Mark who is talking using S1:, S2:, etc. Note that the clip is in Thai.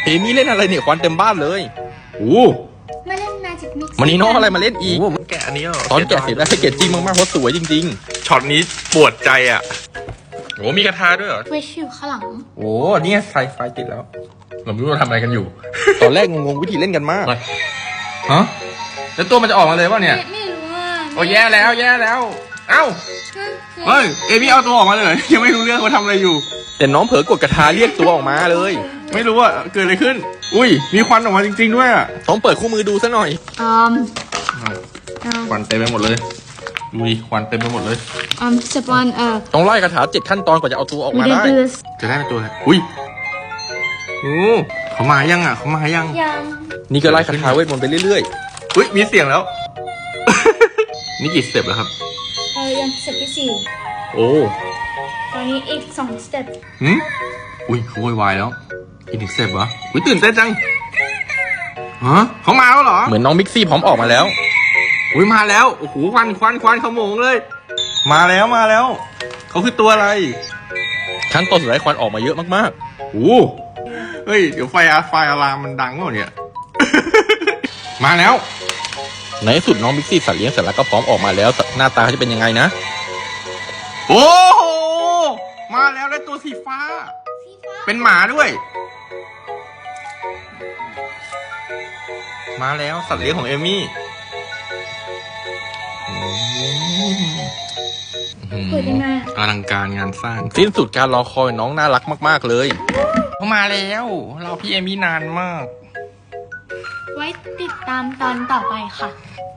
S1: เอมี่เล่นอะไรเนี่ยควันเต็มบ้านเลยโอ้
S2: มาเล่น Magic Mix
S1: มันนี่น้องอะไรมาเล่นอีก
S3: แกะอันนี้เหรอ
S1: ตอนแกะเสร็จแล้วให้เกจจริงมากๆเพราะสวยจริง
S3: ช็อตนี้ปวดใจอ่ะโอ้มีกระทาด้วยเหรอ
S2: Wish อยู่ข้างหลัง
S1: ๆโอ้นี่ไฟติดแล้ว
S3: เราไม่รู้เราทำอะไรกันอยู่
S1: ตอนแรกงงๆวิธีเล่นกันมาก
S3: ฮะแล้วตัวมันจะออกมาเลยป่ะเนี่ย
S2: ไม่รู้ว่า
S3: โอ้แย่แล้วแย่แล้ว เอ้าเฮ้ยเอมี่เอาตัวออกมาเลย ยังไม่รู้เรื่องว่าทำอะไรอยู่
S1: แต่น้องเผลอกดกระทาเรียกตัวออกมาเลย
S3: ไม่รู้ว่าเกิดอะไรขึ้น อุ้ยมีควันออกมาจริงๆด้วยอ่ะ
S1: ต้องเปิดคู่มือดูซะหน่อย
S3: ควันเต็มไปหมดเลยดูดิควันเต็มไปหมดเลย
S2: step one
S1: ต้องไล่คาถา7 ขั้นตอนกว่าจะเอาตัวออก
S2: we
S1: มา
S2: didn't
S1: ได้
S2: do this
S3: จะได้เป็นตัวอะไรอุ้ยโอ้เขามายังอ่ะเขามายัง
S2: ยัง
S1: นี่ก็ไล่คาถาเวทมนต์ไปเรื่อย
S3: อุ้ยมีเสียงแล้ว นี่กี่สเต็ปแล้วครับ
S2: ยังสเต็ปที่สี่
S1: ๆ โอ้
S2: ตอนนี้อีก2 สเต็ป
S3: หืมอุ้ยเขาโวยวายแล้วอีกหนึ่งสเต็ปเหรออุ้ยตื่นเต้นจังฮะเขามาแล้วเหรอ
S1: เหมือนน้องมิกซี่พร้อมออกมาแล้ว
S3: อุ้ยมาแล้วโอ้โหควันขโมงเลย มาแล้วเขาคือตัวอะไร
S1: ขั้นตอนสุดท้ายควันออกมาเยอะมาก
S3: โอ้เฮ้ยเดี๋ยวไฟอะลามมันดังเปล่าเนี่ย มาแล้ว
S1: ๆ ในที่สุดน้องมิกซี่สัตว์เลี้ยงเสร็จแล้วก็พร้อมออกมาแล้วหน้าตาเขาจะเป็นยังไงนะ
S3: โอ้โหมาแล้วได้ตัวสีฟ้า เป็นหมาด้วย มาแล้วสัตว์เลี้ยงของเอมี่
S2: เปิดยังไง
S3: อลังการงานสร้าง
S1: สิ้นสุดการรอคอยน้องน่ารักมากๆเลย
S3: เขามาแล้วเราพี่เอมี่นานมาก
S2: ไว้ติดตามตอนต่อไปค่ะ